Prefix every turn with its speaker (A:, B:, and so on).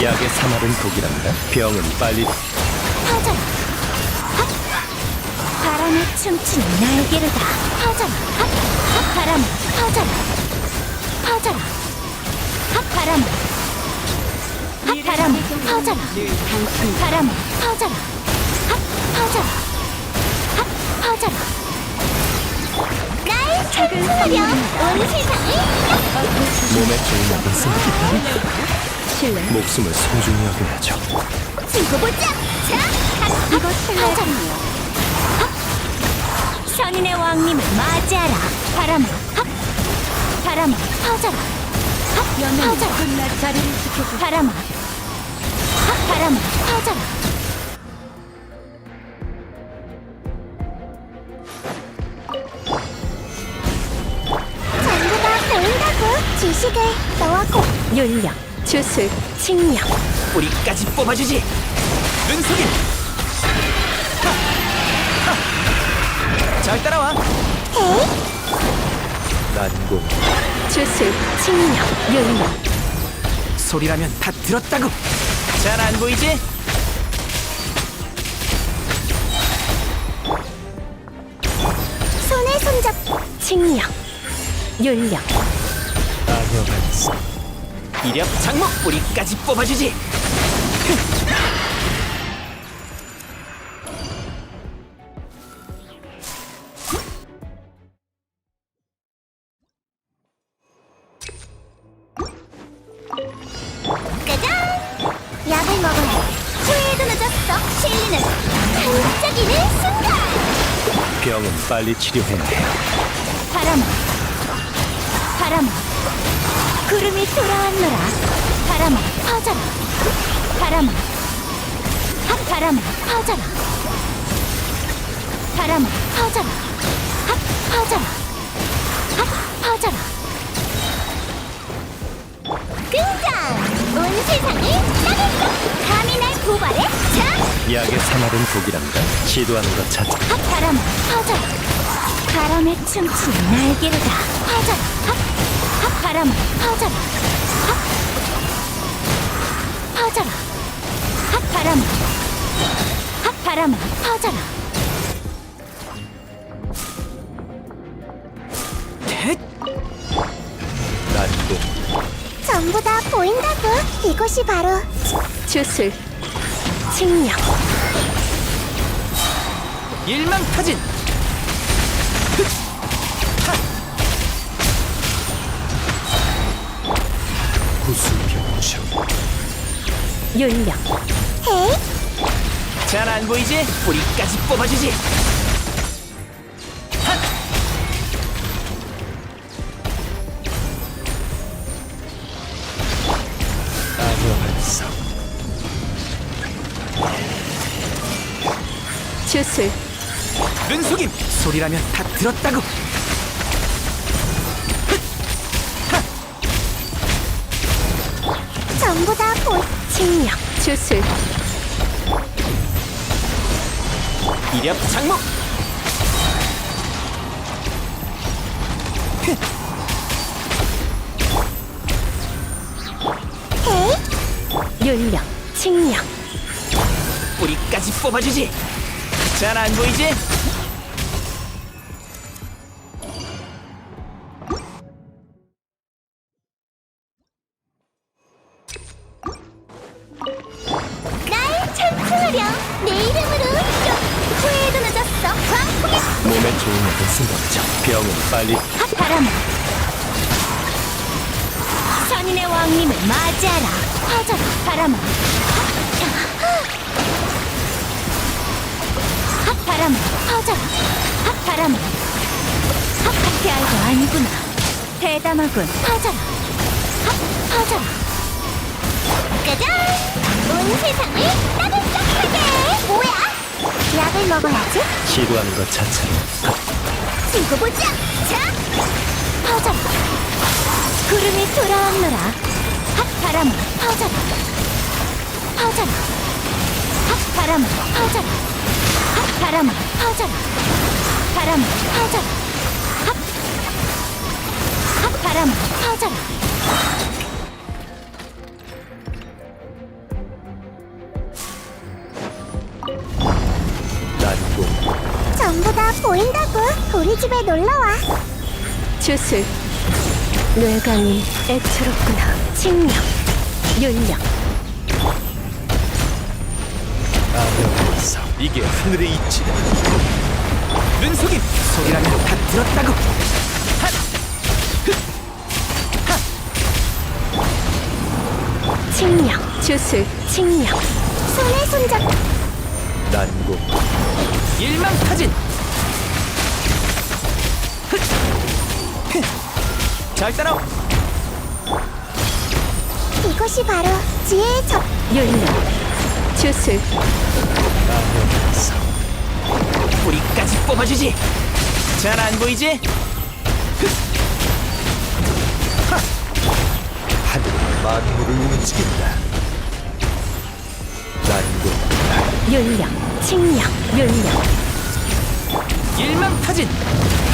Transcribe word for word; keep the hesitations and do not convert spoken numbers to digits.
A: 약의 사말은 독이란다. 병은 빨리
B: 퍼져라. 핫! 바람에 춤추는 날개를 다 퍼져라. 핫! 핫! 바람아 퍼져라. 퍼져라. 핫! 바람아. 핫! 바람아 퍼져라. 바람아 퍼져라. 핫! 퍼져라. 핫! 퍼져라. 날 찬송하렴. 온 세상을
A: 몸에 좋은 약은 쓴다.
B: 실례.
A: 목숨을 소중히 여겨야죠.
B: 두고 보자. 자, 핫! 이거 실례잖아요. 선인의 왕님을 맞이하라. 바람아, 핫! 바람아, 퍼져라. 핫! 퍼져라.
C: 끝날 자리를 지켜주.
B: 바람아, 핫! 바람아, 퍼져라. 전부 다 보인다고. 지식을 너와 고. 윤력, 주술, 칭력.
D: 뿌리까지 뽑아주지. 눈속임. 하! 하! 잘 따라와.
B: 에이?
A: 난공
B: 주술, 칭력, 윤력.
D: 소리라면 다 들었다고. 잘 안 보이지?
B: 손에 손잡. 칭력, 윤력.
A: 악여반사.
D: 이력 장목 뿌리까지 뽑아주지.
B: 짜잔! 약을 먹어야 후회도 늦었어. 실리는 반짝이는 순간.
A: 병은 빨리 치료해야 해요.
B: 바람아, 바람아, 구름이 돌아왔노라. 바람아, 퍼져라. 바람아, 핫! 바람아, 퍼져라. 바람아, 퍼져라. 핫! 퍼져라. 핫! 퍼져라. 등장! 온 세상을 따뜻! 감히 날 고발해? 자!
A: 약의 사말은 독이란다. 시도하는 것 자체.
B: 핫! 바람아, 퍼져라. 바람에 춤추는 날개를 다 퍼져라. 핫! 핫! 바람아, 퍼져라. 핫! 퍼져라. 핫! 바람아. 핫! 바람아, 퍼져라.
D: 텟!
A: 난공
B: 전부 다 보인다고. 이곳이 바로 주술, 칭력.
D: 일망타진.
A: 구수병청.
B: 윤력. 헤이?
D: 잘 안 보이지? 뿌리까지 뽑아주지. 핫!
A: 악여반사.
B: 주술,
D: 눈속임. 소리라면 다 들었다고.
B: 전부 다 보. 칭력, 주술.
D: 이력 장목.
B: 헤이? 윤력, 칭력.
D: 뿌리까지 뽑아주지. 잘 안 보이지?
B: 날 찬송하렴. 내 이름으로 후회도 늦었어. 광풍의
A: 몸에 좋은 약은 쓴다. 병은 빨리
B: 핫! 바람아, 선인의 왕님을 맞이하라. 퍼져라. 바람아. 핫! 바람아, 퍼져라. 핫! 바람아. 핫! 하피 알고 아니구나. 대담하군. 퍼져라. 핫! 퍼져라. 짜잔! 온 세상을 따뜻하게. 뭐야? 약을 먹어야지.
A: 시도하는 것 자체로
B: 두고 보자. 자, 퍼져라. 구름이 돌아왔노라. 핫! 바람아, 퍼져라. 퍼져라. 핫! 바람아, 퍼져라. 핫! 바람아, 퍼져라. 바람아, 퍼져라. 핫! 핫! 바람아, 퍼져라. 나 보인다고. 우리 집에 놀러와. 주술. 뇌강이 애처롭구나. 칭령. 윤령.
A: 아명에서 이게 하늘의 이치다.
D: 눈속임! 소리라면 다 들었다고! 핫!
B: 칭령. 주술. 칭령. 손에 손잡.
A: 난고
D: 일망타진! 흑! 흑! 잘 따라!
B: 이것이 바로 지혜의 적. 윤령. 주술.
A: 아명에서
D: 뿌리까지 뽑아주지! 잘 안 보이지?
A: 하늘이 만물을 움직인다. 난고
B: 윤령. 칭령. 윤령.
D: 일망타진!